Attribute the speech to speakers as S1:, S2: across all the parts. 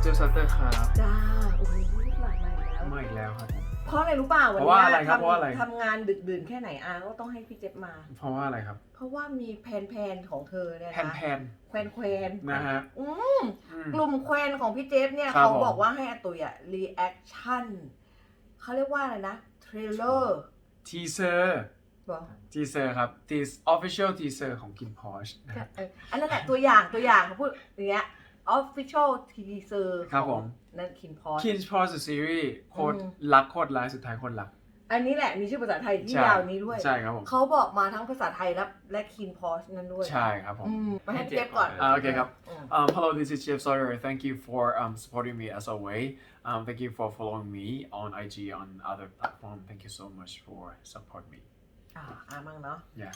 S1: เจฟซัตเตอร์ครับ
S2: จ้าโอ้โหหลายมาอีกแล้ว
S1: มาอีกแล้วครับ
S2: เพราะอะไรรู้เปล่าวัน
S1: เพราะว่า
S2: นี้
S1: อะไรครับเพราะว่าอะไร
S2: ทำงานดึกดื่นแค่ไหนอาก็ต้องให้พี่เจ็บมา
S1: เพราะว่าอะไรครับ
S2: เพราะว่ามีแพนของเธอเนี่ย
S1: แพน
S2: นะ
S1: แพน
S2: แควน
S1: นะฮะ
S2: อืม
S1: อืม
S2: กลุ่มแควนของพี่เจฟเนี่ย
S1: ครับ
S2: เขา
S1: ผม
S2: บอกว่าให้อาตุยอะรีแอคชั่นเขาเรียกว่าอะไรนะเทรลเลอร์
S1: ทีเซอร์
S2: บอก
S1: ทีเซอร์ครับทีออฟฟิเชียลทีเซอร์ของกินพอชนะฮะ
S2: อันนั้นแหละตัวอย่างเขาพูดอย่างเงี้ย official teaser
S1: ครับผม
S2: นั่นคินพอช
S1: คินพอชซีรีส์โคตร
S2: อืม
S1: รักโคตรร้ายสุดท้ายโคตรรัก
S2: อันนี้แหละมีชื่อภาษาไทยที่
S1: ใช่
S2: ยาวนี้ด้วย
S1: ใช่ครับผม
S2: เขาบอกมาทั้งภาษาไทยและคินพอชนั่นด้วย
S1: ใช่ครับผม
S2: มาให้พี่เจฟก่อน
S1: โอเคครับ
S2: อืม
S1: Hello, this is Jeff Sawyer. Thank you for supporting me as always. Thank you for following me on IG on other platform. Thank you so much for support me.
S2: มั่งเนาะ
S1: Yeah.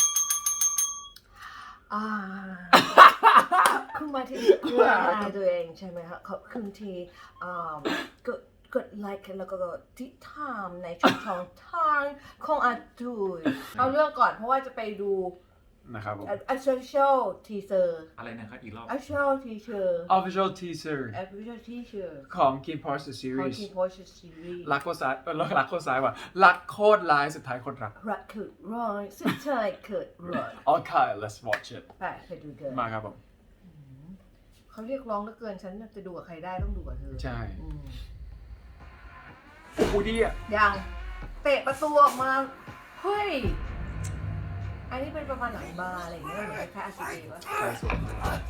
S2: คุณมาที่เพื่อนนายตัวเองใช่ไหมคะขอบคุณที่กดไลค์แล้วก็ติดตามในช่องทางของอาตุยเอาเรื่องก่อนเพราะว่าจะไปดู
S1: นะครับผม
S2: official teaser
S3: อะไรนะครับอีกรอบ
S2: official teaser
S1: Official teaser
S2: official teaser
S1: ของ Kin Porsche
S2: ของ
S1: Series
S2: King Porsche series
S1: รักโคตรซ้ายรักโคตรซ้ายว่ะรักโคตรร้ายสุดท้ายโคตรรัก
S2: รักเกิดร้อยสุดท้ายเกิดร้อย
S1: Okay, let's watch it.
S2: ไปดูกัน
S1: มาครับผม
S2: เขาเรียกร้องเหลือเกินฉันจะดูกับใครได้ต้องดูกับเธอ
S1: ใช่
S2: อืม
S1: โอ้โหดีอ่ะ
S2: ยังเตะประตูออกมา เฮ้ย อันนี้เป็นประมาณหลังบาร์อะไรอย่างเงี้ยเหมือนคล้ายๆ RCA วะ
S1: ใช่สวยมาก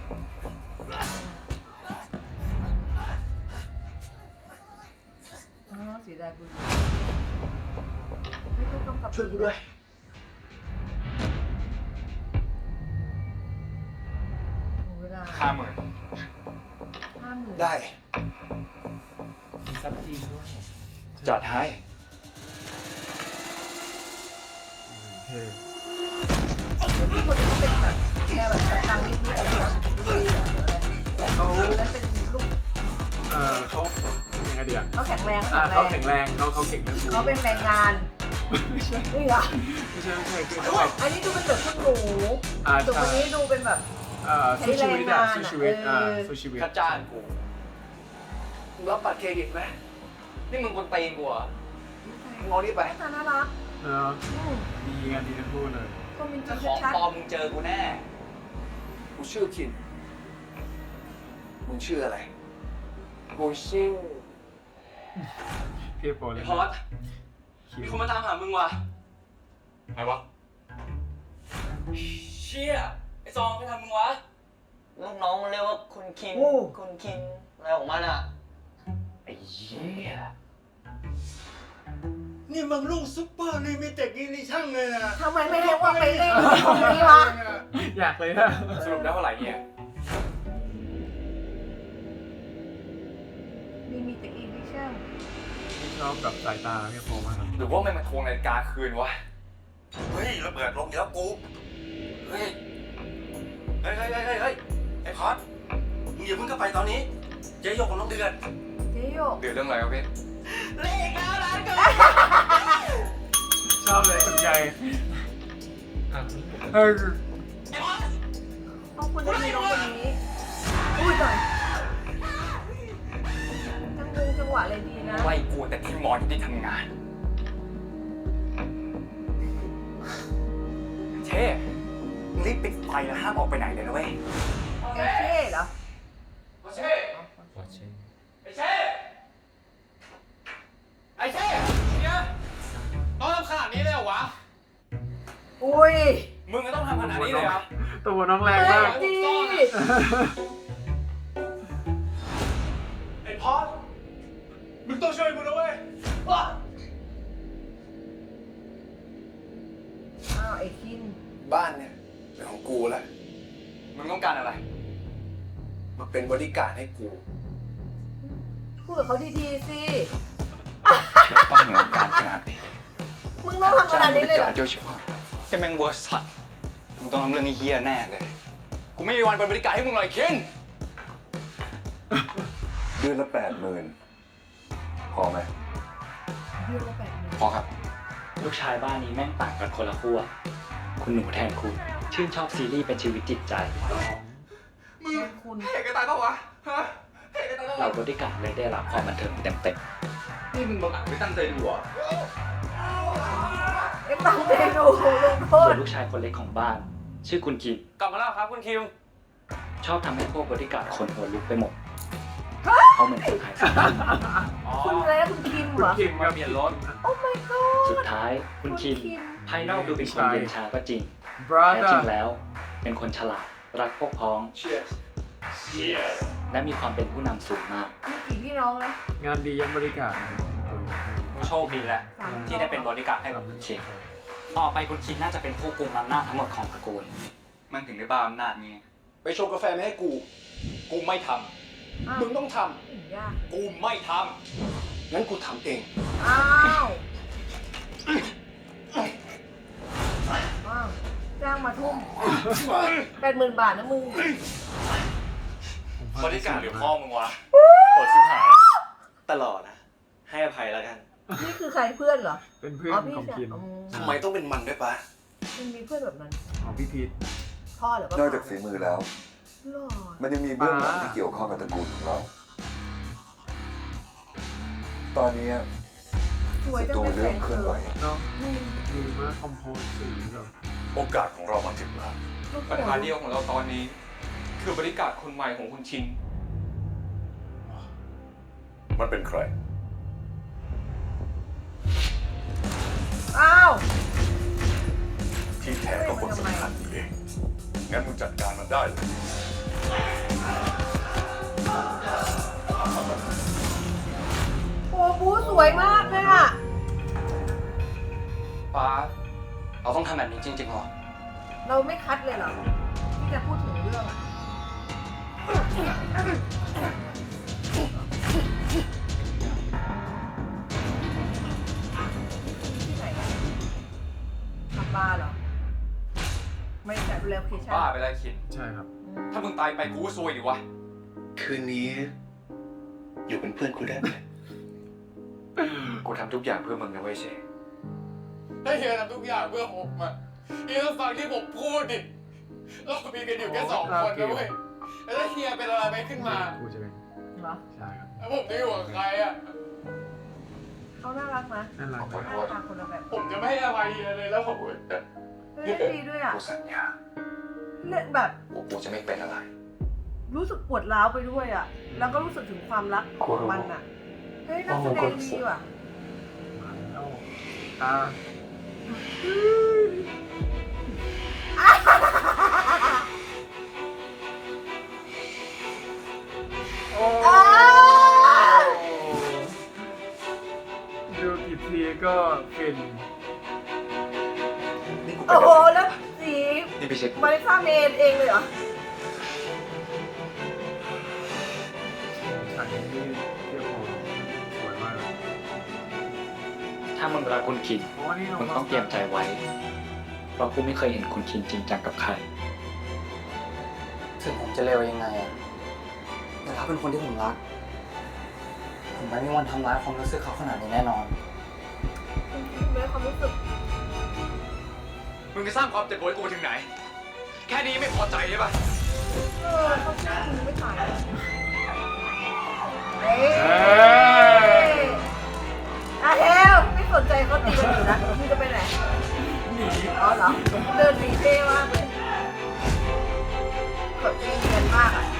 S2: อ๋อเสียดายบุญไม่ต้องกำกับ
S3: ช่วยกูด้วย
S2: เวลา
S3: 50,000
S2: 50,000
S3: ได้
S1: ซับจีนด้วย
S3: จัดให้
S1: เท่
S2: พี่คนนี้เขาเป็นแบบแนวแบบตังนิดๆอะไรนะเขาแล้วเป็นลูก
S1: เขายังไงดีอ่ะ
S2: เขาแข็งแรง
S1: เขาแข็งแรงเขาเก่งเรื่อง
S2: เขาเป็นแรงงาน
S1: ไม่ใช่
S2: นี่เหรอ
S1: ไม่ใช่คือเขาแบบ
S2: อันนี้ดูเป็นแบบคุณหนู
S1: ใช่
S2: ส่วนคนนี้ดูเป็นแบบ
S1: สู้ชีวิตอ่ะสู้ชีวิต
S2: เออ
S1: สู้ชีวิต
S3: ค่าจ้างกูมึงรับบัตรเครดิตไหมนี่มึงคนตีนกูเหรอมึงเอานี่ไป
S2: ตาน่ารัก
S1: เนาะดีงานดีทั้งคู่เลย
S2: ก็มีจริ
S3: ถ้าง ของ
S2: ชัด
S3: ปลอมมึงเจอกูแน่ กูชื่อคิน มึงชื่ออะไร กูชื่อ
S1: พี่โปรเลย
S3: พอดมีคนมาตามหามึงว่ะใครวะ เชี่ย ไอ้ซองไปทำมึงวะ
S4: ลูกน้องมันเรียกว่าคุณคิง คุณคิงอะไรของมันอ่ะ
S3: ไอ้เหี้ย
S5: นี่มันลูกซุปเปอร์ลิมิเต็ดอีดิชั่นเลยนะ
S2: ทำไมไม่เรียกว่าไปเล่นของนี้วะ
S1: อยากเลยอะ
S3: สรุปได้เท่าไหร่เนี่ย
S2: มีแต่อีดิชั่น
S1: พี่ชอบแบบสายตาพี่โปรมากครับ
S3: หรือว่ามันมาทวงนาฬิกาคืนวะ
S5: เฮ้ยระเบิดลงอีกแล้วกู
S3: เฮ้ย
S5: เฮ้ยไอ้พอดมึงอย่าเพิ่งเข้าไปตอนนี้ เจ๊ยกกับน้องเดือน
S2: เจ๊โยก
S3: เดือดเรื่องอะไรวะพี่
S1: ชอบเลยสนใจเออ
S2: ต้องคนนี้น้องคนนี้อุ้ยตายจังหวะอะไรดีนะ
S3: ไล่กูแต่ที่มอนที่ทำงาน เช่มึงรีบปิดไฟแล้วห้ามออกไปไหนเลยนะเว้ย
S2: เอเช่เหรอ
S3: เช่ไอ้เช่ไอ้เช่เนี่ยต้องทำขนาดนี้เลยเหรอวะ
S2: อุ้ย
S3: มึงก็ต้องทำขนาดนี้เลยเหรอ
S1: ตัวน้องแรงมาก
S2: ดี
S5: ไอ้พอดมึงต้องช่วยกูนะเว้ย
S2: อ้าวไอ้คิน
S6: บ้านเนี่ยเป็นของกูแหละ
S3: มึงต้องการอะไร
S6: มาเป็นบริการดให้กู
S2: พูดกับเขาดีๆสิ
S3: ต้องเหนือการขนาดนี้
S2: มึงต้องทำขนาดนี้เลยเหรอ
S3: โดยเฉพาะแค่แม่งเวอร์สัตมึงต้องทำเรื่องนี้เฮี้ยแน่เลย กูไม่มีวันเป็นบริการให้มึงเลยเคน
S6: เดือนละ80,000พอไหม
S2: เดือนละ80,000
S3: พอครับ
S7: ลูกชายบ้านนี้แม่งต่างกันคนละขั้วคุณหนูแทนคุณ ชื่นชอบซีรีส์เป็นชีวิตจิตใจ
S5: มึง
S2: คุณ
S5: เห็นกันตายปะวะ ฮะเห็นกันตาย
S7: เราบริการเลยได้รับความบันเทิงเต็ม
S6: นี่มึงบังอาจไม่ตั้งใจดูเหรอ
S2: ไอ้ตั้งเมนูลงโท
S7: ๆส่ว
S2: ษ
S7: นลูกชายคนเล็กของบ้าน ชื่อคุณคิม
S5: กลับมาแล้วครับคุณคิว
S7: ชอบทำให้พวกบริการคนหัวลุกไปหมดเขาเหมือนคนขายสัตว์
S2: คุณอะไรนะคุณคิมเหรอ
S1: คิมกับ
S5: เปลี่ยนรถ
S2: โอ้ my god
S7: สุดท้ายคุณคิมภายนอกดูเป็นคนเย็นชาก็จริง
S1: บรา
S7: แท้
S1: เธ
S7: จ
S1: อ
S7: ริง
S1: ร์
S7: แล้วเป็นคนฉลาดรักพวกพ้อง และมีความเป็นผู้นำสูงมาก
S2: มีกี่พี่น้องนะ
S1: งานดียังบริการ
S7: โชคดีแหละ
S2: สาม
S7: ที่ได้เป็นบริการให้กับคุณคิมต่อไปคุณคิมน่าจะเป็นผู้กุมอำนาจทั้งหมดของตระกูล
S6: มันถึงได้บ้าอำนาจไง
S5: ไปชงกาแฟมาให้กู กูไม่ท
S2: อ้าว
S5: ำ มึงต้องท
S2: ถึงยาก
S5: ำ กูไม่ทำ งั้นกูทำเอง
S2: อ้าวจ้างมาทุ่ม80,000 บาทนะมึง
S5: บริการหรือพ่อมึงวะ
S4: โหดชิบหาย ตลอดนะ ให้อภัยแล้วกัน
S2: นี่คือใครเพื่อนเหรอ
S1: เป็นเพื่อน
S2: อ๋อพี่
S1: ของ
S2: ชาย
S1: คิม
S2: อืม
S5: ทำไมต้องเป็นมันด้วยปะ
S2: มันมีเพื่อนแบบนั้น
S1: ของพี่พีท
S2: พ่อหรือว่าน
S6: อกจากฝีมือแล้ว
S2: หรอ
S6: มันยังมีเบื้องหลังที่เกี่ยวข้องกับตระกูลของเรา ตอนนี้
S2: สวย
S6: ศั
S2: จัง
S6: ตรู
S2: เลย
S6: เริ่มเคลื่อนไหว
S1: เนาะดีมากคอมโพสสีแบบ
S8: โอกาสของเรามาถึงแล้ว
S5: ปัญหาเดียวของเราตอนนี้ คือบริการคนใหม่ของคุณชิน
S8: มันเป็นใคร
S2: อ้าว
S8: ที่แท้ก็คนสำคัญนี่เอง งั้นมึงจัดการมันได้เลย
S2: โอ้บูสวยมากเลยอ่ะ
S4: ป้า เราต้องทำแบบนี้จริงๆหรอ
S2: เราไม่คัดเลยเหรอ ที่จะพูดถึงเรื่องอ่ะ ที่ไหนอะทำบาร์เหรอ ไม่จัดดูแลโลเคชั่น
S5: บ้าไปแล้วคิน
S1: ใช่ครับ
S5: ถ้ามึงตายไปกูก็ซวยดิวะ
S3: คืนนี้ อยู่เป็นเพื่อนกูได้ไหม
S6: กูทำทุกอย่างเพื่อมึงนะเว้ยเช
S5: ถ้าเฮียทำทุกอย่างเพื่อผมอะเฮียต้องฟังที่ผมพูดดิ เรามีกันอยู่แค่2 คนนะเว้ย แล้วถ้าเฮียเป็นอะไรไปขึ้นมา
S1: กูจะเป็น
S2: เหรอ
S1: ใช่ครับ
S5: แล้วผมจะอยู่กับใครอะ
S2: เขาน่ารักนะ
S1: นั่นแหละ
S2: หน้าตาคนละแบบ
S5: ผมจะไม่ให้อภัยเฮียเลยแล้วผม
S2: เล่นดีด้วยอ่ะ
S6: กูสัญญา
S2: เล่นแบบ
S6: กูจะไม่เป็นอะไร
S2: รู้สึกปวดร้าวไปด้วยอ่ะ แล้วก็รู้สึกถึงความรักของมันอ่ะ เฮ้ยนักแสดงดีว่ะ
S1: มาแล้วตาโอ้ดูกี่ทีก็ฟิน
S2: โอ้โห แล้วสี
S6: นี่ไปเช็ค
S2: มาริซ่าเมนเองเลยเหรอ
S1: ฉากนี้ที่เทียบโหสวยมากเลย
S7: ถ้ามึงรักคุณคิม
S1: เพราะว่านี่เรา
S7: มึงต้องเตรียมใจไว้ เพราะกูไม่เคยเห็นคุณคิมจริงจังกับใคร
S4: ถึงผมจะเลวยังไงอะแต่เขาเป็นคนที่ผมรัก ผมไม่มีวันทำร้ายความรู้สึกเขาขนาดนี้แน่นอน
S2: คุณคิดไหมความรู้สึก
S5: มึงจะสร้างความเจ็บปวดให้กูถึงไหน แค่นี้ไม่พอใจใช่ปะ
S2: เขาแค่คุณไม่ถ่ายเฮ้ยอะเฮลไม่สนใจเขาตีกันอยู่นะมึงจะไปไหน
S1: หนี
S2: อ๋อเหรอ เดินหนีเท่มากเลยแบบเนียนมากอ่ะ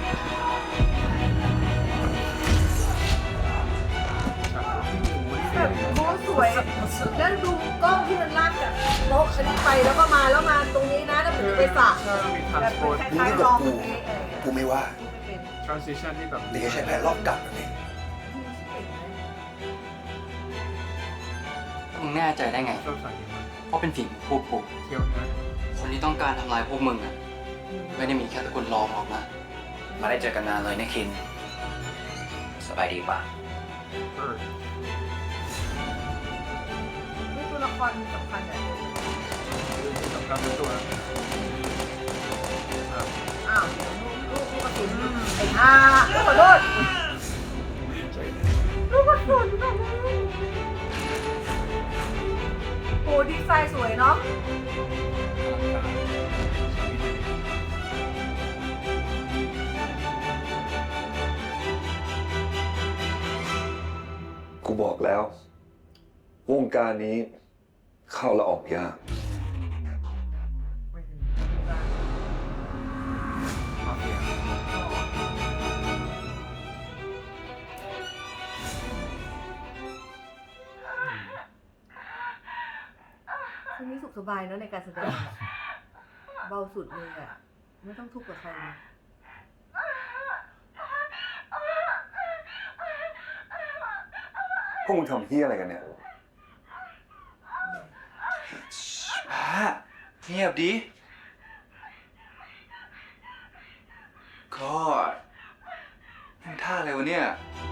S2: แบบโอ้สวย แล้วดูกล้องที่มันลากจากโต๊ะอันนี้ไปแล้วก็มาแล้วมาตรงนี้นะแล้วมันจะไปสระ
S1: มีทราน
S2: แบบ
S1: สโปร์ต
S2: คล้ายๆลองตรงนี้
S3: กูไม่ว่า
S1: ทรานซิชันที่แบบ
S3: แต่แค่ใช้แผนรอบกัดแบบนี้
S4: มึงแน่ใจได้ไง
S1: ชอบฉากนี้มาก
S4: เพราะเป็นฝีมือพวกกู
S1: เที่ยวนะ
S4: คนที่ต้องการทำลายพวกมึงอะไม่ได้มีแค่ตระกูลรองหรอกนะ
S7: มาได้เจอกันนานเลยนะคิน สบายดีป่ะ
S1: เออ
S2: นี่ตัวละครสำคัญอ่ะ
S1: สำคัญเป็นตัว
S2: อ้าวลูกกระสุนไอ้ห่าขอโทษลูกกระสุนแบบโหดีไซน์สวยเนาะ
S6: บอกแล้ว วงการนี้เข้าและออกยาก
S2: ไม่ถึง
S1: มาเฟีย
S2: คนนี้สุขสบายเนอะในการแสดงอะเบาสุดเลยอ่ะ ไม่ต้องทุกข์กับใครเลย
S6: พวกมึงทำเฮี้ยอะไรกันเนี่ย
S9: เงียบดิก็ทำท่าอะไรวะเนี่ย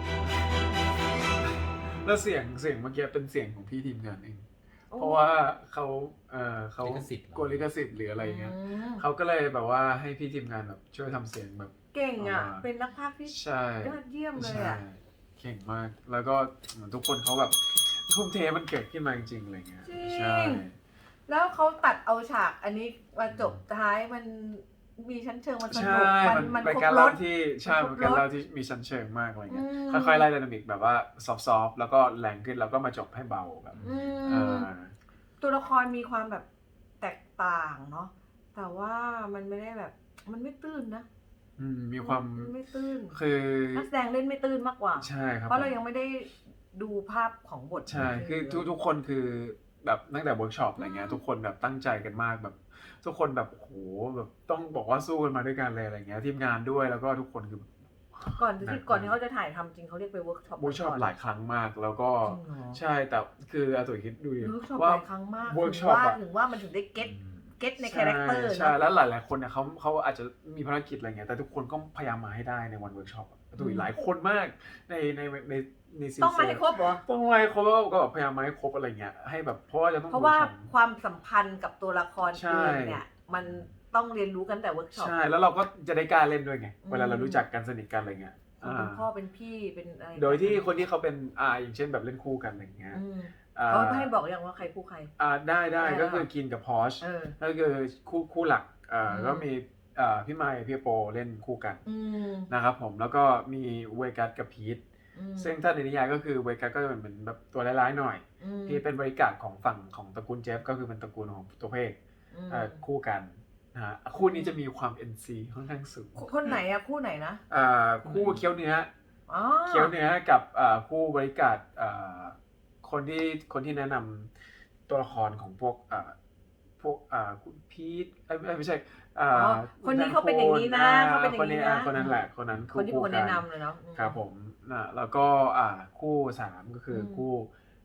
S1: แล้วเสียงเมื่อกี้เป็นเสียงของพี่ทีมงานเอง เพราะว่าเขาเขา
S7: ลิขสิทธิ์เหรอ
S1: กลัวลิขสิทธิ์หรืออะไรเงี้ย
S2: อืม
S1: เขาก็เลยแบบว่าให้พี่ทีมงานแบบช่วยทำเสียงแบบ
S2: เก่งอ่ะ
S1: อ่า
S2: เป็นนักพากย์ที่
S1: ใช่
S2: ยอดเยี่ยมเลย
S1: ใช่
S2: อ่ะ
S1: เก่งมาก แล้วก็เหมือนทุกคนเขาแบบทุ่มเทมันเกิดขึ้นมาจริงๆอะไรเงี้ย
S2: จริง
S1: ใช่
S2: แล้วเขาตัดเอาฉากอันนี้มาจบท้ายมันมีชั้นเชิงมันสนุ
S1: ใช่
S2: ก
S1: มัน
S2: ค
S1: เป็น
S2: รบ
S1: การ
S2: ร
S1: เล่า
S2: ส
S1: ที่ใช่
S2: มัน
S1: มัน
S2: ครบ
S1: เป็นการ
S2: รส
S1: เล่าที่มีชั้นเชิงมากอะไรเงี้ย
S2: อืม
S1: ค่อยๆไล่ไดนามิกแบบว่าซอฟต์ๆแล้วก็แรงขึ้นแล้วก็มาจบให้เบาแบบ
S2: อื
S1: อ่
S2: มา ตัวละครมีความแบบแตกต่างเนาะแต่ว่ามันไม่ได้แบบมันไม่ตื้นนะ
S1: มีความ
S2: นไม่ตื้น
S1: คือ
S2: นักแสดงเล่นไม่ตื้นมากกว่า
S1: ใช่ครับ
S2: เพราะเรายังไม่ได้ดูภาพของบท
S1: ใช่คือทุกคนคือแบบตั้งแต่เวิร์กช็อปอะไรเงี้ยทุกคนแบบตั้งใจกันมากแบบ ทุกคนแบบโอ้โหแบบต้องบอกว่าสู้กันมาด้วยกันเลยอะไรเงี้ยทีมงานด้วยแล้วก็ทุกคนคือ
S2: ก่อนที่เขาจะถ่ายทำจริงเขาเรียกไปเวิร์กช็อป
S1: เวิร์กช็อปหลายครั้งมากแล้วก็
S2: จริงเหรอ
S1: ใช่แต่คืออาตุ๋ยคิดดูดิ
S2: เวิร์กช็อป
S1: ว่า
S2: หลายครั้งมาก
S1: เวิร์กช็อปอะ
S2: ถึงว่ามันถึงได้เก็ตในคาแรคเตอร์
S1: ใช่
S2: เนาะ
S1: แล้วหลายๆคนเนี่ยเขาอาจจะมีภารกิจอะไรเงี้ยแต่ทุกคนก็พยายามมาให้ได้ในวันเวิร์กช็อปอาตุ๋ยหลายคนมากในซีซั่น
S2: ต้องมาให้ครบเหรอ
S1: ต้องมาให้ครบแล้วก็แบบพยายามมาให้ครบอะไรเงี้ยให้แบบเพราะว่าจะต้อง
S2: เพราะว่า
S1: เวิร์กช็อป
S2: ความสัมพันธ์กับตัวละคร
S1: ใช่
S2: เองเนี่ยมันต้องเรียนรู้กันแต่เวิร์กช็อป
S1: ใช่แล้วเราก็จะได้กล้าเล่นด้วยไง
S2: อืม
S1: เวลาเรารู้จักกันสนิทกันอะไรเงี้ย
S2: เป็นพ่อเป็นพี่เป็นอะไร
S1: โดยที่คนที่เขาเป็นอย่างเช่นแบบเล่นคู่กันอะไรเงี้ย
S2: อืม
S1: อ่า
S2: เขาให้บอกอย่างว่าใครคู่ใคร
S1: ได้
S2: ได้
S1: ก็คือกินกับพอช
S2: เออ
S1: ก็คือคู่หลัก
S2: ม
S1: ก็มีพี่ไมค์พี่โปเล่นคู่กัน
S2: อืม
S1: นะครับผมแล้วก็มีเวกัสกับพีท
S2: อืม
S1: ซึ่งถ้าในนิยายก็คือเวกัสก็จะเป็นแบบตัวร้ายๆหน่อย
S2: อืม
S1: ที่เป็นบริการของฝั่งของตระกูลเจฟก็คือเป็นตระกูลของตัวเพก
S2: อืม
S1: คู่กันนะฮะคู่นี้จะมีความ NC ค่อนข้างสูง
S2: คนไหนอะคู่ไหนนะ
S1: คู่เคี้ยวเนื้อ
S2: อ๋อ
S1: เคี้ยวเนื้อกับคู่บริการคนที่แนะนำตัวละครของพวกคุณพีทไม่ใช่
S2: คนนี้เขาเป็นอย่างนี้นะเขาเป็นอย่างนี้นะ
S1: คนนั้นแหละคนนั้น
S2: คนที่เป็นคนแนะนำเลยเนาะ
S1: ครับผมแล้วก็คู่3ก็คือคู่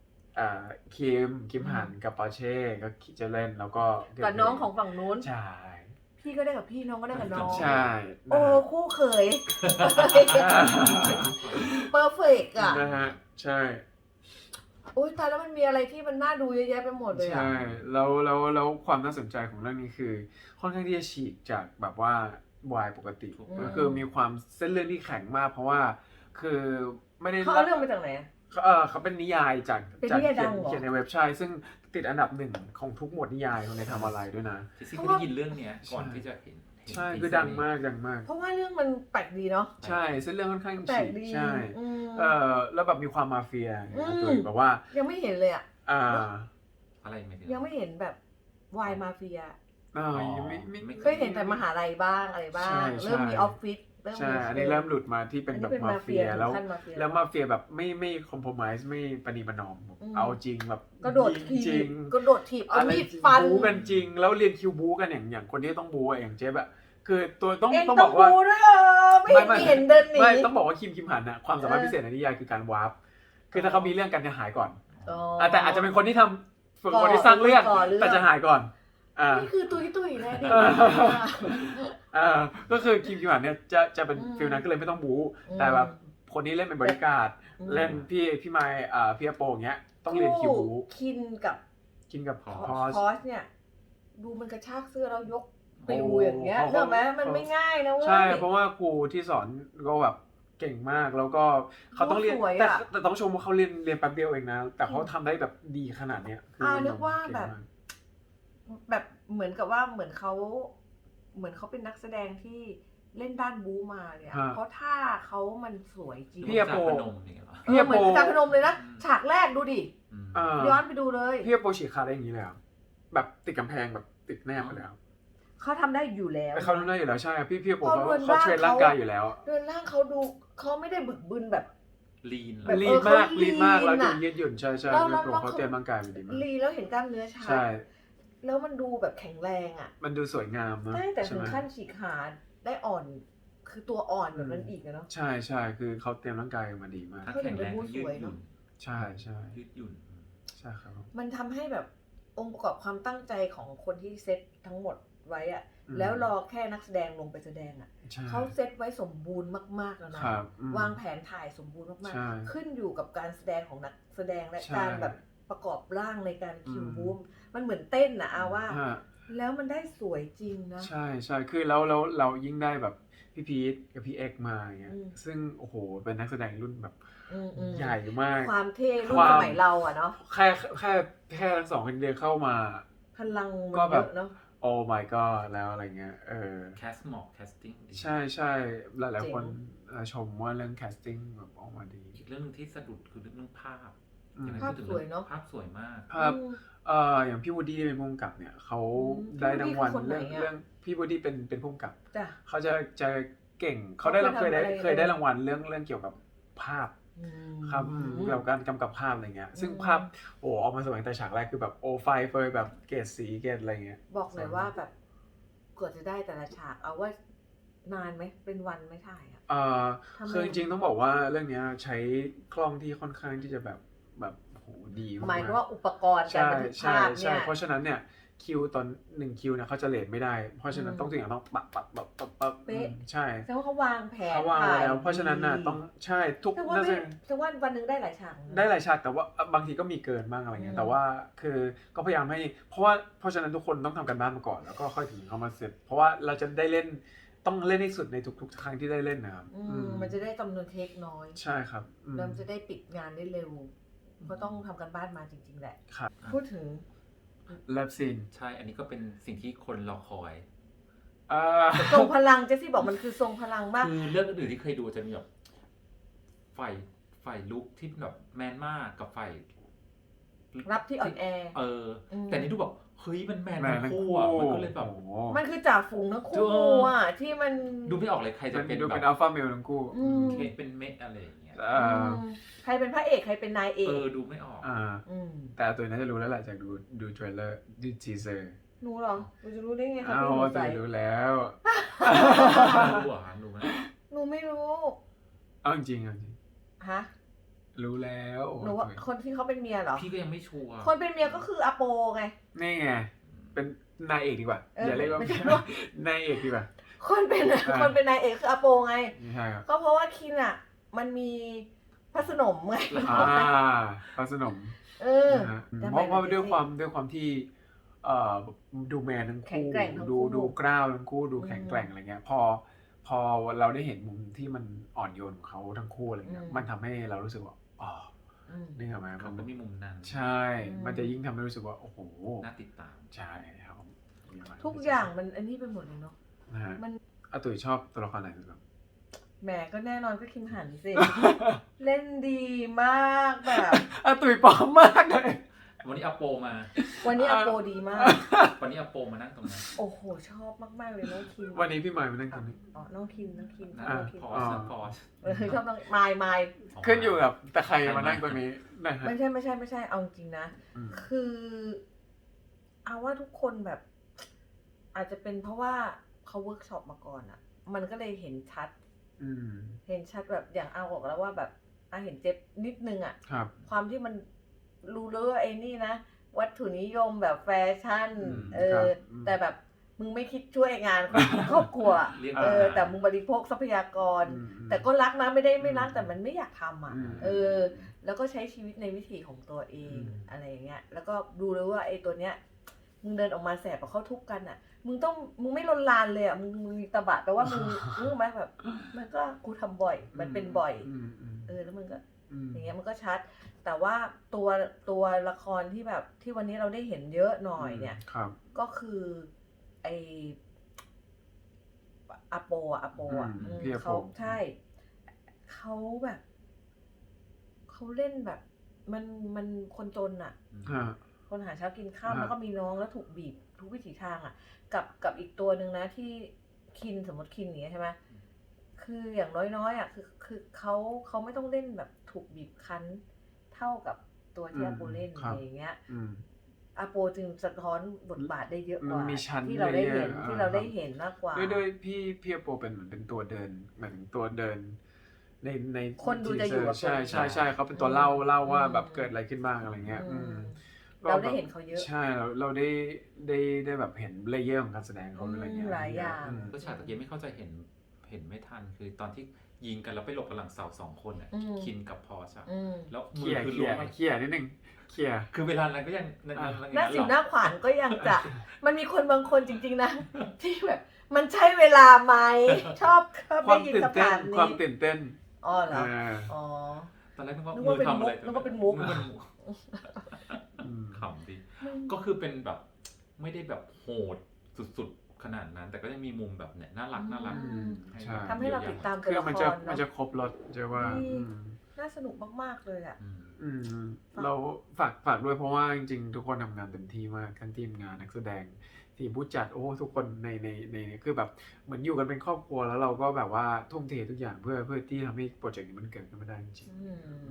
S1: คิมหันกับปอร์เช่ก็จะเล่นแล้วก็
S2: กับน้องของฝั่งนู้น
S1: ใช่
S2: พี่ก็ได้กับพี่น้องก็ได้กับน้อง
S1: ใช่
S2: โอ้คู่เขยเปอร์เฟกอะ
S1: นะฮะใช่
S2: โอ้ยตายแล้วมันมีอะไรที่มันน่าดูเยอะแยะไปหมดเลยอะ
S1: ใช่แล้วความน่าสนใจของเรื่องนี้คือค่อนข้างที่จะฉีกจากแบบว่าวายปกติก็คือมีความเส้นเรื่องที่แข็งมาก เพราะว่าคือไม่ได้
S2: เขาเอาเรื่องมาจากไหนอะ
S1: เขาเป็นนิยายจาก
S2: เป็นนิยายดังเหรอ
S1: เขียนในเว็บใช่ซึ่งติดอันดับ1ของทุกหมวดนิยายในทำอะไรด้วยนะ
S7: จริงๆไม่ได้ยินเรื่องเนี้ยก่อนที่จะเห็น
S1: ใช่คือดังมาก
S2: เพราะว่าเรื่องมันแปลกดีเนาะ
S1: ใช่เส้นเรื่องค่อนข้าง
S2: แปล
S1: ฉี
S2: ก
S1: ก
S2: ดี
S1: ใช่
S2: อืม
S1: แล้วแบบมีความมาเฟีย
S2: อืม
S1: ตัวแบบว่า
S2: ยังไม่เห็นเลยอะ
S7: อะไรไม่ถึง
S2: ยังไม่เห็นแบบวายมาเฟีย
S1: ยังไม่
S2: เคยเห็นแต่มหาลัยบ้างอะไรบ้าง
S1: ใช่
S2: เริ่มมีออฟฟิศเริ่ม
S1: ใช่
S2: มี
S1: อันนี้เริ่มหลุดมาที่เป็นแบบมาเฟียแล้ว
S2: ขั้นมาเฟีย
S1: แล้วมาเฟียแบบไม่คอมโพมไส์ไม่ปณีประนอม เอาจริงแบบ
S2: กระโดด
S1: ยิง
S2: ถี
S1: จริ
S2: บ
S1: ง
S2: กระโดดถีบเอา
S1: อะไร
S2: มีดฟัน
S1: บู๊กันจริง แล้วเรียนคิวบู๊กันอย่างคนที่ต้องบู๊อย่างเจ๊แบบคือตัวต้อง
S2: เอง
S1: ต้อง
S2: ต้
S1: บ
S2: อง
S1: อกว่า
S2: บูด้วยไม่เห็นเดินหนี
S1: ไม่ต้องบอกว่าคิมหันน่ะความสามารถพิเศษในนิยายคือการวาร์ปคือถ้าเขามีเรื่องกันจะหายก่อน
S2: อ๋อ
S1: แต่อาจจะเป็นคนที่ทำฝึกคนที่สร้างเรื่อง
S2: ก่อเรื่อง
S1: แต่จะหายก่อน
S2: นี่คือตุยนะดิ
S1: ก็คือคิมหันเนี่ยจะเป็นฟิลนั้นก็เลยไม่ต้องบู๊แต่แบบคนนี้เล่นเป็นบริการดเล่นพี่ไมค์พี่อโปอย่างเงี้ยต้องเรียนคิวบู๊
S2: คินกับ
S1: กินกับพ
S2: พ
S1: อ
S2: อ
S1: ส
S2: สเนี่ยดูมันกระชากเสื้อแล้วยกปิวอย่างเงี้ยเห็นไหมมันไม่ง่ายนะเว้ย
S1: ใช่เพราะว่าครูที่สอนก็แบบเก่งมากแล้วก็เขาต้องเรียน
S2: สวยอะ
S1: แต่ต้องชมว่าเขาเรียนแป๊บเดียวเองนะแต่เขาทำได้แบบดีขนาดเนี้ยคือ
S2: นึกว่า
S1: เก่ง
S2: แบบ
S1: มาก
S2: แบบเหมือนกับว่าเหมือนเขาเป็นนักแสดงที่เล่นด้านบู๊มาเนี่ย
S1: ฮะ
S2: เพราะท่าเขามันสวยจริง
S1: พี่อโป
S7: จากพนมอย่างเงี้ยเหรอ
S1: พี่อ
S2: เหมื
S1: โป
S2: อนการพนมเลยนะ ฉากแรกดูดิ
S7: อืม
S2: ย้อนไปดูเลย
S1: พี่อโปฉีกขาได้อย่างนี้เลยเหรอแบบติดกำแพงแบบติดแนบไปแล้ว
S2: เขาทำได้อยู่แล้ว
S1: เขาทำได้อยู่แล้วใช่พี่อโป
S2: เพราะ
S1: เขา
S2: เรือน
S1: เขา
S2: ร่าง
S1: เทรนร่างกายอยู่แล้ว
S2: เรือนร่างเขาดูเขาไม่ได้บึกบึนแบบ
S7: ลีน
S2: แบบ
S1: ลีนมาก
S2: เขา
S1: ลีนมากแล้ว
S2: ลีน
S1: ดู
S2: อะ
S1: ยืดหยุ่นใช่ใช่
S2: แล้ว
S1: พี่อโป
S2: แล้ว
S1: เขาเตรียมร่างกายมาดีมาก
S2: ลีแล้วเห็นกล้ามเนื้อชัด
S1: ใช่
S2: แล้วมันดูแบบแข็งแรงอ่ะ
S1: มันดูสวยงามนะ
S2: ได้แต่
S1: ใช่
S2: ถึง
S1: ไหม
S2: ขั้นฉีกขาได้อ่อน คือตัวอ่อนแบบนั้นอีกอะเนาะ
S1: ใช่ใช่คือเขาเตรียมร่างกายมาดีมาก
S7: ถ้าแข็งแรงก็ยืดหยุ่น
S1: ใช่ใช่
S7: ยืดหยุ่น
S1: ใช่ครับ
S2: มันทำให้แบบองค์ประกอบความตั้งใจของคนที่เซตทั้งหมดไว้อะ
S1: อืม
S2: แล้วรอแค่นักแสดงลงไปแสดงอะ
S1: ใช่
S2: เขาเซตไว้สมบูรณ์มากๆแล้วนะครับ
S1: อืม
S2: วางแผนถ่ายสมบูรณ์มาก
S1: ใช่
S2: ๆขึ้นอยู่กับการแสดงของนักแสดงและ
S1: ใช่
S2: การแบบประกอบร่างในการคิว
S1: อืม
S2: บูมมันเหมือนเต้นนะอาว่า
S1: ฮะ
S2: แล้วมันได้สวยจริงนะ
S1: ใช่ใช่คือแล้วเรายิ่งได้แบบพี่พีทกับพี่เอกมาอย่างเงี้ย
S2: อืม
S1: ซึ่งโอ้โหเป็นนักแสดงรุ่นแบบ
S2: อืม
S1: ใหญ่มาก
S2: ความเท่รุ่
S1: คน วาม
S2: สมัยเราอะเนาะ
S1: แค่ทั้งสองคนเดียวเข้ามา
S2: พลังมัน
S1: ก็แบ
S2: เย
S1: บ
S2: อะเนาะ
S1: โอ้ my god แล้วอะไรเงี้ย
S7: แคสเหมาะแคสติ้งดี
S1: ใช่ใช่หลาย
S2: เจ๋ง
S1: ๆคนชมว่าเรื่อง casting แบบออกมาดี
S7: อีกเรื่องหนึงที่สะดุดคือเรื่องภาพ
S1: อืม
S7: อย่างไร
S2: ภาพ
S7: พูดถึง
S2: สวยเนอะ
S7: ภาพสวยมาก
S1: ภาพ
S2: อืม
S1: อย่างพี่วูดดี้เป็นผู้กำกับเนี่ยเขา
S2: อืม
S1: ได้รางวัล
S2: พี่วูดดี้คือคนไหนอะ
S1: เรื่องพี่วูดดี้เป็นผู้กำกับ
S2: จ้ะ
S1: เขาจะเก่งเขาได้รับ
S2: เขา
S1: เคยได้
S2: ทำอะไร
S1: รางวัลเรื่องเกี่ยวกับภาพ
S2: อืม
S1: ครับเกี่ยวกับการกำกับภาพอะไรเงี้ย ซึ่ง
S2: อืม
S1: ภาพโอ้ออกมาสวยตั้งแต่ฉากแรกคือแบบโอ้ไฟเฟยแบบเกรดสีเกรดอะไรเงี้ย
S2: บอกหน่อยว่าแบบกว่าจะได้แต่ละฉากเอาว่านานไหมเป็นวันไหม่ถ่ายอะ ทำไม
S1: คือจริงๆต้องบอกว่าเรื่องเนี้ยใช้กล้องที่ค่อนข้างที่จะแบบโหดีมาก
S2: หมายถึงว่าอุปกรณ์การ
S1: ใช่
S2: บันทึก
S1: ใช่
S2: ภาพ
S1: ใช่
S2: เนี่ย
S1: เพราะฉะนั้นเนี่ยคิวตอน1คิวเนี่ยเขาจะเลทไม่ได้ เพราะฉะนั้น
S2: อืม
S1: ต้องทุกอย่างต้องปับ
S2: เป๊ะ
S1: ใช่
S2: แสดงว่าเขาวางแผน
S1: เขาวางไว้แล้ว
S2: ถ่ย
S1: เพราะฉะนั้นน่ะ
S2: ดี
S1: ต้องใช่ทุก
S2: แต่ว่า
S1: น่า
S2: ไม่
S1: จะ
S2: แต่ว่าวันหนึ่งได้หลายฉากนะ
S1: ได้หลายฉากแต่ว่าบางทีก็มีเกินบ้างอะไรเงี้
S2: อื
S1: ย
S2: ม
S1: แต่ว่าคือก็พยายามให้เพราะฉะนั้นทุกคนต้องทำกันบ้านมาก่อนแล้วก็ค่อยถึงเข้ามาเสร็จ เพราะว่าเราจะได้เล่นต้องเล่นให้สุดในทุกๆครั้งที่ได้เล่นนะครับ
S2: มันจะได้จำนวนเทคน้อย
S1: ใช่ครับอืม
S2: แล้วมันจะได้ปิดงานได้เร็วก็ต้องทำกันบ้านมาจริงๆแหละ
S1: ครับ
S2: พูดถึง
S1: เลิฟซีน
S7: ใช่ อันนี้ก็เป็นสิ่งที่คนรอคอย
S2: ทรงพลังเจสซี่บอกมันคือทรงพลังมาก
S7: คือเรื่องอื่นๆที่เคยดูจะมีแบบฝ่ายลุกที่แบบแมนมากกับฝ่าย
S2: รับที่อ่อนแอ ม
S7: แต่นี่ดูแบบเฮ้ยมันแมน
S1: แมน
S7: ทั้
S1: ทั้
S7: ง
S1: ง
S7: คู่
S1: คู่
S7: อ่ะมันก็เลยแบบ
S1: โอ้โห
S2: มันคือจ่าฝูงทั้ง
S7: เจ
S2: คู่
S7: อ
S2: อ่ะที่มัน
S7: ดูไม่ออกเลยใครจะ
S1: มัน
S7: เป็น
S1: ดู
S7: แบ
S1: เป็น
S7: บ
S1: อัลฟาเมลทั้งคู่
S2: อืม
S7: เคเป็นเมะอะไรอย่างเงี้ย
S1: อ่า
S2: ใครเป็นพระเอกใครเป็นนายเอก
S7: ดูไม่ออก
S2: อืม
S1: แต่ตัวน่าจะรู้แล้วแหละจากดูเทรลเลอร์ดูทีเซอร์
S2: หนูเหรอหนูจะรู้ได้ไงคะ
S1: อ้า
S2: พี่
S1: ว
S2: หนู
S1: แต่
S2: ใส่
S1: รู้แล้ว
S7: รู้เหรอรู้ไหม
S2: หนูไม่รู้
S1: เอาจริงๆเอาจริง
S2: ฮะ
S1: รู้แล้ว
S2: หนูว่าคนที่เขาเป็นเมียเหรอ
S7: พี่ก็ยังไม่ชัวร์
S2: คนเป็นเมียก็คืออาโปไง
S1: นี่ไงเป็นนายเอกดีกว่า
S2: เอออย่
S1: อาเรียกว่า
S2: ไม่ใช่
S1: นายเอกดีกว่า
S2: คนเป็นนายเอกคืออาโปไง
S1: ไม่ใช่ครับ
S2: ก็เพราะว่าคินอ่ะ มันมีพระสนมไง
S1: พระสนม
S2: เออ
S1: นะฮะ
S2: จำ
S1: เพ
S2: ไว้
S1: ราะ
S2: นะ
S1: ด้วย
S2: เจสซี่
S1: ความที่ดูแมนทั้ง
S2: แข็ง
S1: คู่
S2: แกร่งทั้งคู่
S1: ดูกล้าวทั้งคู่ดู
S2: อืม
S1: แข็งแกร่งอะไรเงี้ยพอเราได้เห็นมุมที่มันอ่อนโยนของเขาทั้งคู่อะไรเงี้ย
S2: อืม
S1: มันทำให้เรารู้สึกว่าอ๋อ
S2: อืม
S1: นี่เหรอไหม
S7: เขาก็มีมุมนั้น
S1: ใช่
S2: อืม
S1: มันจะยิ่งทำให้รู้สึกว่าโอ้โห
S7: น่าติดตาม
S1: ใช่ครับ
S2: ทุกอย่างมันอันนี้ไปหมดเลยเนาะ
S1: นะฮะ
S2: มัน
S1: อาตุ๋ยชอบตัวละครไหนสุดครับ
S2: แหมก็แน่นอนก็คิมหันสิ เล่นดีมากแบบ
S1: อาตุ๋ยปลอมมากเลย
S7: วันนี้อาโปมา
S2: วันนี้อาโปดีมาก
S7: วันนี้อาโปมานั่งตรงนั้น
S2: โอ้โห ชอบมากๆเลยน้องคิม
S1: วันนี้พี่หมายมานั่งตรงนี้
S2: อ๋อน้องคิม
S7: นั่ง
S2: ชอบ
S1: อ่า
S2: น้องคิม
S7: พอ
S1: อ๋อ
S7: สพอส
S2: ชอบน้องมาย
S1: ขึ้นอยู่กับแต่ใครมานั่งตรงนี้นะฮะ
S2: ไม่ใช่เอาจริงๆนะ
S1: อืม
S2: คือเอาว่าทุกคนแบบ อาจจะเป็นเพราะว่าเขาเวิร์กช็อปมาก่อนอะมันก็เลยเห็นชัด
S1: อืม
S2: เห็นชัดแบบอย่างเอาบอกแล้วว่าแบบเห็นเจ็บนิดนึงอะ
S1: ครับ
S2: ความที่มันรู้เลยว่าไอ้นี่นะ วัตถุนิยมแบบแฟชั่น
S1: ครับ
S2: แต่แบบมึงไม่คิดช่วยงานครอบครัว
S7: เรียก
S2: แต่มึงบริโภคทรัพยากร
S1: อืม
S2: แต่ก็รักนะไม่ได้ไม่รักแต่มันไม่อยากทำอ่ะ
S1: อืม
S2: แล้วก็ใช้ชีวิตในวิถีของตัวเอง
S1: อืม
S2: อะไรอย่างเงี้ย แล้วก็ดูเลยว่าไอ้ตัวเนี้ยมึงเดินออกมาแสบกับเขาทุบกันอ่ะ มึงไม่ลนลานเลยอ่ะมึงมีตะบะแต่ว่ามึง รู้ไหมแบบ มันก็กูทำบ่อย มันเป็นบ่อย แล้วมึงก็ อย่างเงี้ยมันก็ชัด แต่ว่าตัวละครที่แบบที่วันนี้เราได้เห็นเยอะหน่อยเนี่ย
S1: ครับ
S2: ก็คือไออาโปอ่ะ
S1: พี่อาโป
S2: เขาใช่เขาแบบเขาเล่นแบบมันคนจนอ่ะ
S1: อ่า
S2: คนหาเช้ากินข้าว
S1: อ่า
S2: แล้วก็มีน้องแล้วถูกบีบทุกวิถีทางอ่ะ กับอีกตัวหนึ่งนะที่คินสมมติคินอย่างเงี้ยใช่ไหมคืออย่างน้อยๆอ่ะคือเขาไม่ต้องเล่นแบบถูกบีบคั้นเท่ากับตัวที่อาโปเล่นอะไรอย่างเงี้ย
S1: อืม
S2: อาโปจึงสะท้อนบทบาทได้เยอะกว่า
S1: มันมีชั้น
S2: ที่เราได้เห็น
S1: layer
S2: ที่เราได้เห็นมากกว่า
S1: ด้วยพี่อาโปเป็นเหมือนเป็นตัวเดินเหมือนตัวเดินใน
S2: คนดูจะอยู่กับ
S1: ใช่
S2: คน
S1: ใช่เขาเป็นตัวเล่าว่าแบบเกิดอะไรขึ้นบ้างอะไรเงี้ย
S2: เราได้เห็นเขาเยอะ
S1: ใช่เราได้แบบเห็นเลเยอร์ของการแสดงเขาอะไรเงี้ย
S2: หลายอย่าง
S10: ก็ฉากตะกี้ไม่เข้าใจเห็นไม่ทันคือตอนที่ยิงกันแล้วไปหลบกันหลังเสาสองคนอ่ะคินกับพอชอะแล้ว
S1: เค
S10: มื
S1: ลี
S10: อย
S1: ร์
S10: คือ
S1: เค
S10: ล้ว
S1: ลี
S10: ง
S1: ยร์นิดนึงเคลียร์
S10: คือเวลานั้นก็ยัง
S2: หน้าสิวหน้าขวานก็ยังจะ มันมีคนบางคนจริงๆนะ ที่แบบมันใช่เวลาไหม ชอบ
S1: ควา
S2: ได้
S1: ม
S2: ยิน
S1: ตื่น
S2: คำ
S1: เต้
S2: ถาน ม
S1: ความ
S2: นี้
S1: ตื่นเต้น
S2: อ๋อเหรออ๋อ
S10: ตอนแรกนึกว่า
S2: นึก
S10: มื
S2: ว่า
S10: อ
S2: เป็น
S10: ทำอะไร
S2: มุกนึกว่าเป็นมุก
S10: ขำดีก็คือเป็นแบบไม่ได้แบบโหดสุดๆขนาดนั้น แต่ก็ยังมีมุมแบบเนี่ยน่ารัก
S1: ใช่
S2: ทำให้เราติดตามตัว
S1: คือ
S2: ละค
S1: มัน
S2: ร
S1: จะ
S2: เน
S1: มัน
S2: อะ
S1: จะครบรถจะว่า
S2: น่าสนุกมากๆเลยอ่ะ
S1: เราฝากด้วยเพราะว่าจริงๆ ทุกคนทำงานเต็มที่มากทั้งทีมงานนักแสดงทีมผู้จัดโอ้ทุกคนในคือแบบเหมือนอยู่กันเป็นครอบครัวแล้วเราก็แบบว่าทุ่มเททุกอย่างเพื่อที่ทำให้โปรเจกต์นี้มันเกิดขึ้นมาได้จริง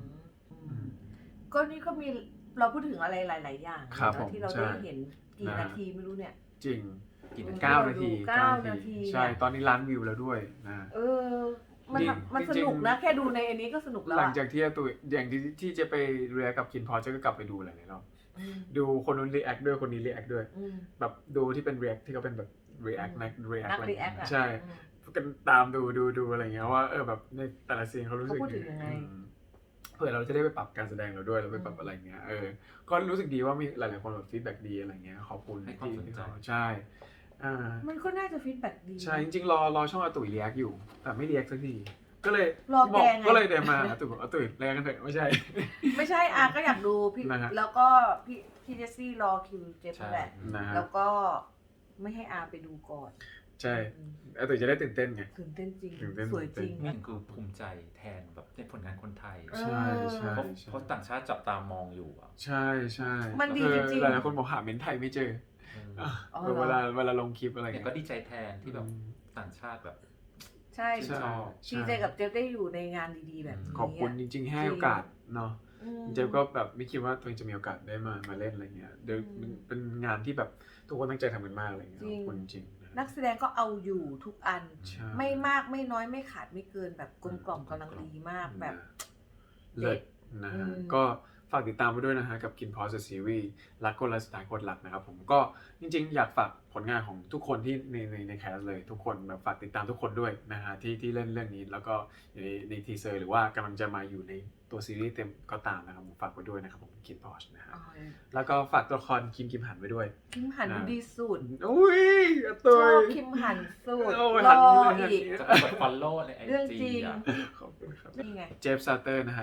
S2: ก็นี่ก็มีเราพูดถึงอะไรหลาย ๆ อย่าง
S1: ครับ
S2: นะ
S1: ผม
S2: ที่เรา
S1: ใช่
S2: ได้เห็นกี่นาทีไม่รู้เนี่ย
S1: จริง
S10: กี่นาที
S1: 9 นาที
S2: 9 นาที
S1: ใช่ตอนนี้ล้านวิวแล้วด้วยนะ
S2: มัน
S1: จริง
S2: มันสนุกนะ แค่ดูในอันนี้ก็สนุกแล้ว
S1: หลัง
S2: อะ
S1: จากที่อาตุยอย่างที่จะไปเรียนกับคินพอจะก็กลับไปดูหลายๆรอบดูคนนู้นรีแอคด้วยคนนี้รีแอคด้วยแบบดูที่เป็นรีแอคที่เขาเป็นแบบรีแอคนักรีแอค
S2: นัก
S1: อะไร
S2: รีแอคอะ
S1: ใช่กันตามดูอะไรเงี้ยว่าแบบในแต่ละซีนเขารู้สึก
S2: เขาพูดถึงยังไง
S1: เผื่อเราจะได้ไปปรับการแสดงเราด้วยแล้วไปปรับอะไรเงี้ยก็รู้สึกดีว่ามีหลายๆคนแบบฟีดแบ็กดีอะไรเงี้ยขอบคุณ
S10: ให้ความสนใจ
S1: ที่ใช่
S2: มันก็น่าจะฟีดแบ็กดี
S1: ใช่จริงๆรอช่องอาตุยรีแอคอยู่ แต่ไม่รีแอคสักทีก็เลย
S2: รอแกไง
S1: ก็เลยเดินมาอาตุยบอกอาตุยรีแอคกันเถอะไม่ใช่
S2: ไม่ใช่ก็อยากดูพี่
S1: นะฮะ
S2: แล้วก็พี่เจสซี่รอคิวเจฟนั่นแหละ
S1: นะฮะ
S2: แล้วก็ไม่ให้ไปดูก่อน
S1: ใช่อาตุยจะได้ตื่นเต้นไง
S2: ตื่นเต้นจริง
S1: ตื่นเต้น
S2: สวยจริง
S10: นี่คือภูมิใจแทนแบบในผลงานคนไทย
S1: ใช่ใช่
S10: เพราะต่างชาติจับตามองอยู่อ่ะ
S1: ใช่ใช่
S2: มันดีจริงๆ
S1: หลายๆคนบอกหาเม้นไทยไม่เจอ
S2: อ๋อเหรอ
S1: เวลาลงคลิปอะไร
S10: เนี่ย
S1: เงี้ย
S10: ก็ดีใจแทนที่แบบต่างชาติแบบ
S2: ใช่
S1: ใช่
S2: ดีใจกับเจฟได้อยู่ในงานดีๆแบบนี้
S1: ขอบคุณจริงๆให้โอกาสเนาะ
S2: อืม
S1: เจฟก็แบบไม่คิดว่าตัวเองจะมีโอกาสได้มาเล่นอะไรเงี้ยเดี๋ยวมันเป็นงานที่แบบทุกคนตั้งใจทำกันมากอะไรเงี้ยขอบคุณจริงๆนะ
S2: นักแสดงก็เอาอยู่ทุกอัน
S1: ใช่
S2: ไม่มากไม่น้อยไม่ขาดไม่เกินแบบกลมกล่อมกำลังดีมากแบบ
S1: เลิศนะฮะก็ฝากติดตามไปด้วยนะฮะกับกินพอสซีรีส์รักคนละสไตล์คนรักนะครับผมก็จริงๆอยากฝากผลงานของทุกคนที่ในแคสเลยทุกคนแบบฝากติดตามทุกคนด้วยนะฮะที่เล่นเรื่องนี้แล้วก็อยู่ในทีเซอร์หรือว่ากำลังจะมาอยู่ในตัวซีรีส์เต็มก็ตามนะครับผมฝากไว้ด้วยนะครับผมกินพอสนะฮะแล้วก็ฝากตัวละครคิมหันไว้ด้วย
S2: คิมหันดูดีสุด
S1: อุ้ยอา
S2: ช
S1: ตุ
S2: อย บคิมหันสุด
S1: โอ้ย
S2: ร
S1: หัน
S2: อ
S1: เลย
S2: อีก
S10: จะกด follow ใน
S2: เรื่อง
S10: IG
S2: จริง
S10: อ่ะ
S1: ขอบคุณครับ
S2: นี่ไง
S1: เจฟซาเตอร์นะฮะ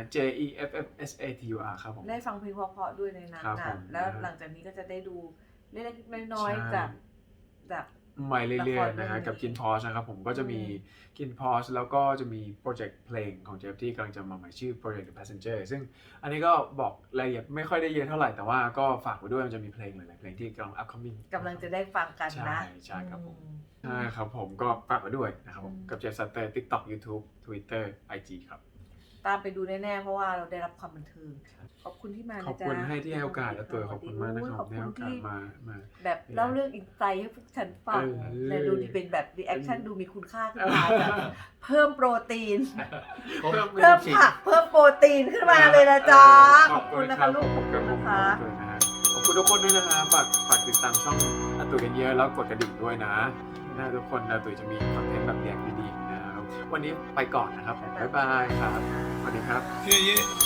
S1: JEFFSATUR ครับผม
S2: ได้ฟังเพลงเพราะๆด้วยในนั้น
S1: ครับผ
S2: นะ
S1: ม
S2: แล้วหลังจากนี้ก็จะได้ดูเล็กๆน้อย
S1: ใช่
S2: ๆจาก
S1: ใหม่เรื่
S2: ละ
S1: อย
S2: คร
S1: ๆนะฮะ
S2: เรื่องนี้
S1: กับกินพอชนะครับผมก็จะมีกินพอชแล้วก็จะมีโปรเจกต์เพลงของเจฟที่กำลังจะมาใหม่ชื่อ Project The Passenger ซึ่งอันนี้ก็บอกรายละเอียดไม่ค่อยได้เยอะเท่าไหร่แต่ว่าก็ฝากไว้ด้วยมันจะมีเพลงหลายๆเพลงที่กำลัง upcoming
S2: กำลังจะได้ฟังกันนะ
S1: ใช่ครับผมใช่ครับผมก็ฝากไว้ด้วยนะครับผมกับเจฟซัตเตอร์ TikTok YouTube Twitter IG ครับ
S2: ตามไปดูแน่ๆเพราะว่าเราได้รับความบันเทิงขอบคุณที่มานะ
S1: ขอบ
S2: จ๊ะ
S1: คุณให้ที่ให้โอกาสและตัวขอบคุณมากนะครับที่ให้โอกาสมา
S2: แบบเล่าเรื่องอินไซต์ให้พวกฉันฟังและดูดีเป็นแบบรีแอคชั่นดูมีคุณค่าขึ้นมาแบบเพิ่มโปรตีน เพิ่มผักเพิ่มโปรตีนขึ้นมาเลยนะจ๊ะขอบคุณนะคะลูกขอบคุณนะคะ
S1: ขอบคุณทุกคนด้วยนะฮะฝากติดตามช่องอาตุยกันเยอะแล้วกดกระดิ่งด้วยนะทุกคนอาตุยจะมีคอนเทนต์แบบแยกดีๆนะครับวันนี้ไปก่อนนะครับบ๊ายบายครับสวัสดีครับ
S8: Yeah, yeah.